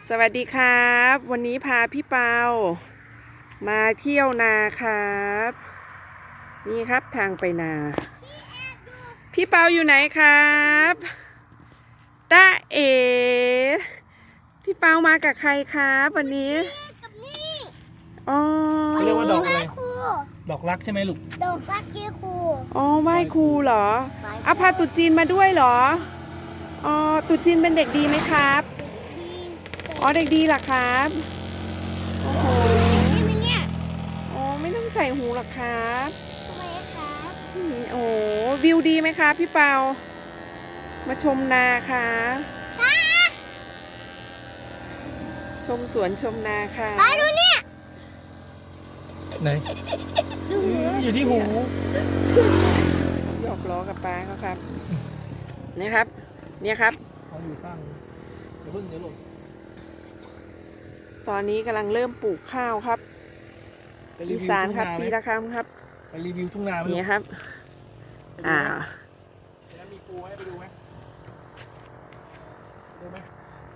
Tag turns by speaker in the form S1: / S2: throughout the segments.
S1: สวัสดีครับวันนี้พาพี่เปามาเที่ยวนาครับนี่ครับทางไปนาพี่เปาอยู่ไหนครับตาเอพี่เปามากับใครครับวันนี้อ๋อ
S2: เรียกว่าดอกอะไรดอกรักใช่ไหมลูก
S3: ดอกรักเกียร์ครู
S1: อ๋อไหว้ครูเหรอเอาพาตุ๊จีนมาด้วยเหรออ๋อตุ๊จีนเป็นเด็กดีไหมครับอ๋อเด็กดีเหรอครับโอ้โห
S3: ใช่ไหมเนี่ย
S1: อ๋อไม่ต้องใส่หูหรอกครับ
S3: ทำไมครับ
S1: โอ้วิวดีไหมคะพี่เปามาชมนาค่ะชมสวนชมนาค่ะ
S3: ป้าดูเนี่ย
S2: ไหนอยู่ที่หู
S1: หยอกล้อกับป้าเขาครับนี่ครับเนี่ยครับ
S2: เขาอยู่ข้างเดี๋ยวเพิ่งเดี๋ยวลง
S1: ตอนนี้กำลังเริ่มปลูกข้าวครับ
S2: ไปรี
S1: อี
S2: วิว
S1: สาน
S2: ทุ่ง
S1: ครับ
S2: นาไหม
S1: ปีละครั้งครับ
S2: ไปรีวิวทุ่งนาไหม
S1: นี่ครับอ่า
S2: แล้วมีปูให้ไปดูไหมดูไหม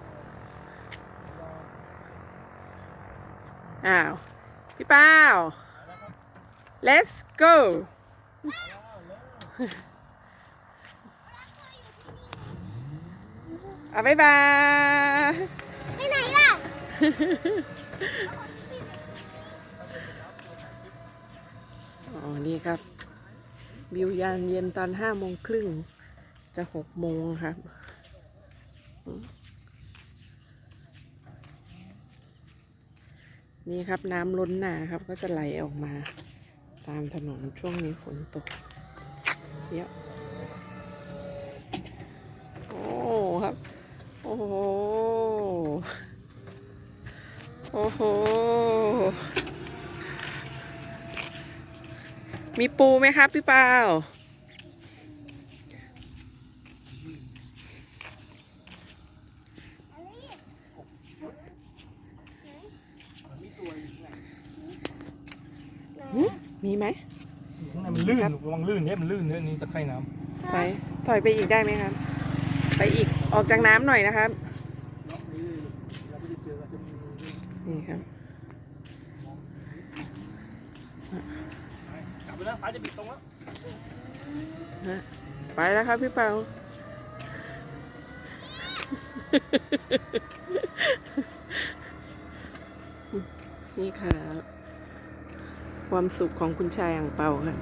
S1: อ้าวพี่เปา let's go เอาบ๊ายบาย
S3: ไปไหนล่ะ
S1: อ๋อ นี่ครับ วิวยามเย็นตอน5:30จะ6:00ครับ นี่ครับน้ำล้นนาครับก็จะไหลออกมาตามถนนช่วงนี้ฝนตกเยอะโอ้ครับ โอ้โห โอ้โห มีปูไหมครับพี่เปามีไหม
S2: อยู่ข้างในมันลื่นระวังลื่นเนี่ยมันลื่นเนี่ยนี่ตะไคร่น้
S1: ถอยไปอีกได้ไหมครับ ไปอีกออกจากน้ำหน่อยนะครับ
S2: ำ
S1: นี่ครับ
S2: กลับไปแล้วฟ้าจะปิดตรงแล้ว
S1: ไปแล้วครับพี่เปา นี่ครับความสุขของคุณชายอ่างเปาค่ะ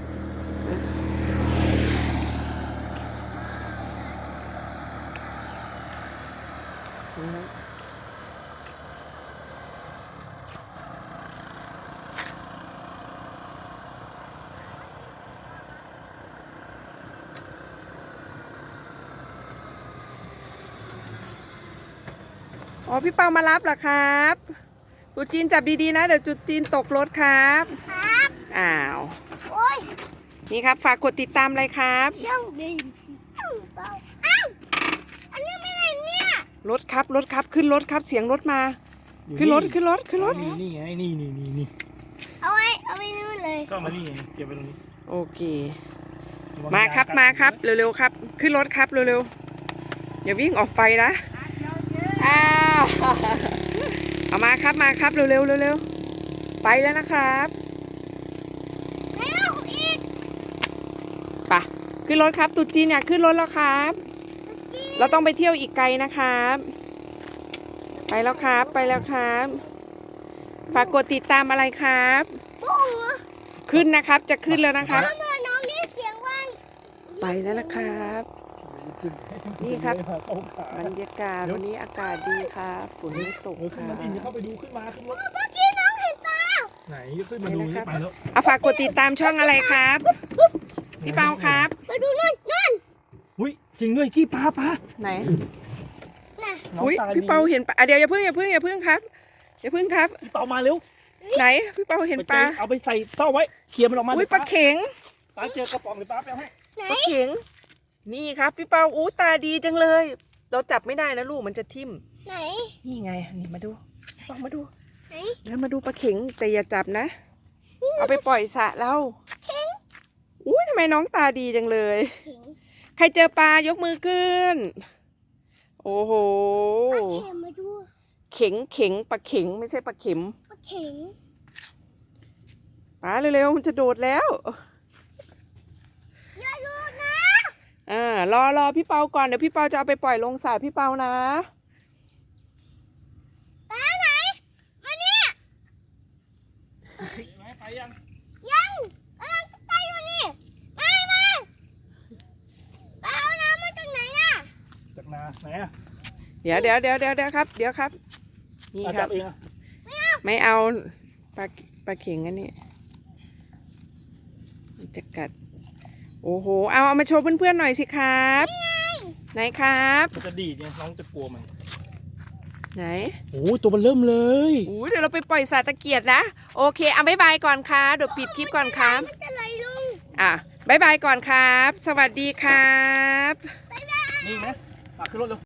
S1: อ๋อพี่เปามารับเหรอครับตุ๊จีนจับดีๆนะเดี๋ยวตุ๊จีนตกรถครับ
S3: ครับ
S1: อ้าว
S3: โอ้ย
S1: นี่ครับฝากกดติดตามเลยครับ
S3: ช่างดีเปล่าอ้าวอันนี้ไม่ไหนเนี่ย
S1: รถครับรถครับขึ้นรถครับเสียงรถมาขึ้นรถขึ้นรถขึ้นรถ
S2: นี่ไงนี่
S3: เอาไว้นู่นเลย
S2: ก็มานี่ไงเก็บไว้ตรงนี้
S1: โอเคมาครับมาครับเร็วๆครับขึ้นรถครับเร็วๆอย่าวิ่งออกไปนะอ้าวเอามาครับมาครับเร็วๆเร็วๆไปแล้วนะครับ
S3: แล้วอีก
S1: ไปขึ้นรถครับตุ๊จีนอยากขึ้นรถแล้วครับ เราต้องไปเที่ยวอีกไกลนะครับไปแล้วครับไปแล้วครับฝากกดติดตามอะไรครับ
S3: ปุ้ง
S1: ขึ้นนะครับจะขึ้นแล้วนะครับ
S3: ทำไมน้องนี่เสียงว่าง
S1: ไปแล้วนะครับ นี่ครับ บรรยากาศวันนี้อากาศดีครับฝนไม่ตก
S2: ขึ้
S1: คน รั
S2: มา
S1: บ
S2: ดิเข้าไปดูขึ้นมาขึ้นรถ
S3: เมื่อกี้น้องเห็นตา
S2: ไหนขึ้นมาดูนี่ไปแล้ว
S1: เอาฝากกดติดตามช่องอะไรครับพี่เปาครับ
S3: มาดูนู่น
S2: อุ้ยจริงด้วยกี้ปลา
S1: ไหน
S3: น่ะ
S2: น้อง
S1: อุ้ย
S2: ตาดี
S1: พี่เปาเห็นปลาเดี๋ยวอย่าเพิ่งครับอย่าเพิ่งครับ
S2: พี่เปามาเร็ว
S1: ไหนพี่เปาเห็นปลา
S2: เอาไปใส่เต้าไว้เคลียร์มันออกมา
S1: อุ้ยปลาเข็ง
S2: ป้าเจอกระป๋องหรือป้าไปเอาให้
S3: ไหน
S1: ปลาเข็งนี่ครับพี่เปาอู้ตาดีจังเลย เราจับไม่ได้นะลูกมันจะทิ่ม
S3: ไหน
S1: นี่ไงนี่มาดูลองมาดู
S3: ไหน
S1: แล้วมาดูปลาเข็งแต่อย่าจับนะ เอาไปปล่อยสระเราอุ้ยทำไมน้องตาดีจังเลย
S3: เข็ง
S1: ใครเจอปลายกมือขึ้น โอ้โห
S3: เอาเข็มมาดู
S1: เข็งเข็งปลาเข็งไม่ใช่ปลาเข็ม
S3: ปลาเข็ง
S1: ปลาเร็วๆมันจะโดดแล้ว
S3: อย่าหยุดนะ
S1: รอพี่เปาก่อนเดี๋ยวพี่เปาจะเอาไปปล่อยลงสระพี่เปานะ
S3: ปลาไหนมาเนี่ย
S2: ไปยัง
S3: ยังกำลังจะไปอยู่นี่มาปลาเอาน้ำมาจากไหนน่ะ
S2: จากนาไหนอ่ะ
S1: เดี๋ยวครับเดี๋ยวครับนี่ค
S2: จั
S1: รั
S2: บบ เองอ่ะ
S1: ไม่เอาปลาเข็งอันนี้มันจะกัดโอ้โหเอามาโชว์เพื่อนๆหน่อยสิครับไหนครับ
S2: มันจะดีดเนี่ยน้องจะกลัวมัน
S1: ไหน
S2: โอ้ตัวมันเริ่มเลย
S1: อู้เดี๋ยวเราไปปล่อยสาตะเกียรตินะโอเคเอาบ๊ายบายก่อนครับเดี๋ยวปิดคลิปก่อนครับ
S3: มันจะไหลลง
S1: บ๊ายบายก่อนครับ สวัสดีครับ
S2: นี่นะขึ้นรถเร็ว